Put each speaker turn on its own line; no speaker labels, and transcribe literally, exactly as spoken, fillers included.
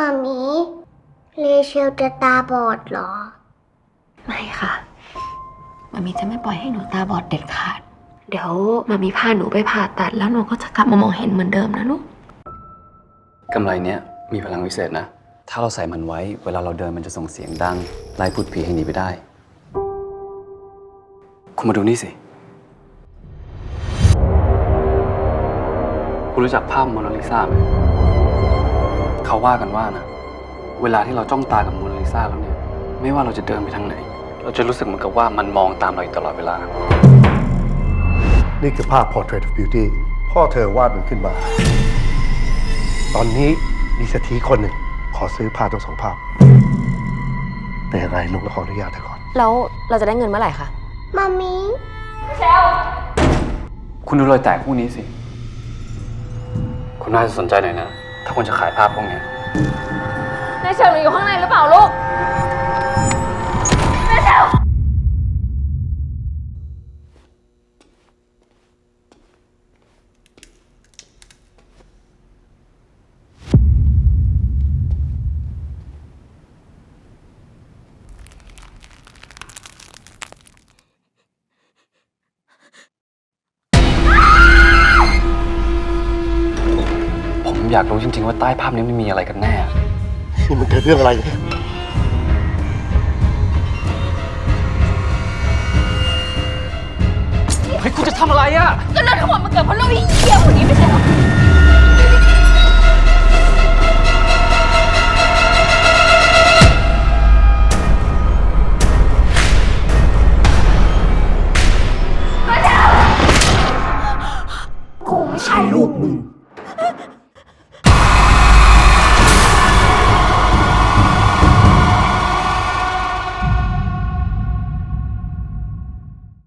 มามีเลเชลจะตาบอดเหรอ
ไม่ค่ะมามีจะไม่ปล่อยให้หนูตาบอดเด็ดขาดเดี๋ยวมามีพาหนูไปผ่าตัดแล้วหนูก็จะกลับมามองเห็นเหมือนเดิมนะลูก
กำไรเนี้ยมีพลังวิเศษนะ ถ้าเราใส่มันไว้เวลาเราเดินมันจะส่งเสียงดังไล่พูดผีให้หนีไปได้คุณมาดูนี่สิคุณรู้จักภาพโมนาลิซาไหมเขาว่ากันว่านะเวลาที่เราจ้องตากับโมนาลิซาแล้วเนี่ยไม่ว่าเราจะเดินไปทางไหนเราจะรู้สึกเหมือนกับว่ามันมองตามเราอยู่ตลอดเวลา
นี่คือภาพ Portrait of Beauty พ่อเธอวาดมันขึ้นมา ตอนนี้มีเศรษฐีคนหนึ่งขอซื้อภาพทั้งสองภาพแต่ยังไงลุงขออนุญาตเธอก่อน
แล้วเราจะได้เงินเมื่อไหร่คะ
มามี
คุณดูรอยแตกพวกนี้สิคุณน่าจะสนใจหน่อยนะถ้าคุณจะขายภาพพวกนี้
นายเชลอยู่ข้างในหรือเปล่าลูกนายเชล
ผมอยากรู้จริงๆว่าใต้ภาพนี้มันมีอะไรกันแน่
นี่มันเกิดเรื่องอะไรเนี่ย
เฮ้ยคุณจะทำอะไรอ่ะ
ก็เรื่องทั้งหมดมันเกิดเพราะเราเหี้ยคนนี้ไม่ใช่หรอ
กูไม่ใช่ลูกมึง